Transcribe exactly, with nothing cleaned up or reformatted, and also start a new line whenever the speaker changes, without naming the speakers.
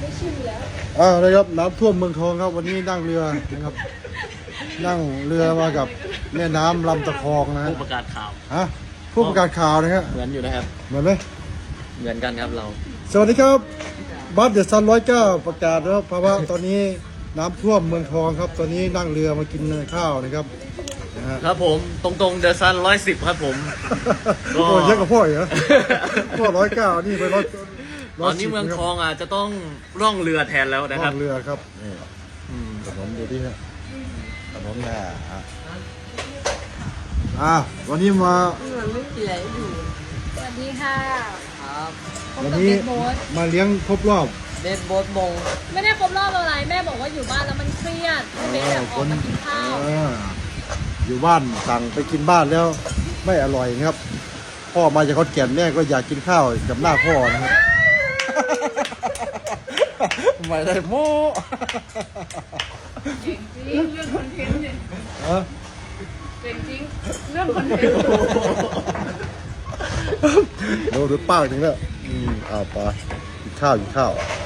อ่านะครับน้ำท่วมเมืองทองครับวันนี้นั่งเรือนะครับนั่งเรือมากับแม่น้ำลำตะคองนะฮะ
ผู้ประกาศข่าว
ฮะผู้ประกาศข่าวนะฮะ
เหมือนอยู่นะครับ
เหมือนไหม
เหมือนกันครับเรา
สวัสดีครับบัสเดอะซันร้อยเก้าประกาศแล้วภาวะตอนนี้น้ำท่วมเมืองทองครับตอนนี้นั่งเรือมากินข้าวนะครับนะฮะ
ครับผมตรงๆเดอะซันร้อยสิบครับผม ก็
โอ้ยเยอะกับพ่ออีกเหรอพ่อร้อยเก้านี่ไปร้อย
ตอนนี้เมืองทองอาจจะต้องร่องเรือแทนแล้วนะค
นั่
รับ
งเรือครับนี่
อืม
ขนมดูดิฮะขนมแน่ฮะอ่ะวันนี้มา
สวัสดีค่ะ
ครับ
พบ
วัน
กับ
นี้
เบสโบ๊ท
มาเลี้ยงครบรอบ
เบสโบ๊ทมง
ไม่ได้ครบรอบอะไรแม่บอกว่าอยู่บ้านแล้วมันเครียดให้เบสแบบออกมากินข้าว
เอออยู่บ้านสั่งไปกินบ้านแล้วไม่อร่อยนะครับ พ่อมาจากขอนแก่นแม่ก็อยากกินข้าวกับหน้าพ่อนะครับ ไม่ได้โม้
เก่งจริงเรื่องคอนเทนต์เนี่ย
เออ
เก่งจริงเรื่องคอนเทนต์
ดูดูป้าถึงแล้วอืมอ้าวไปกินข้าวกินข้าว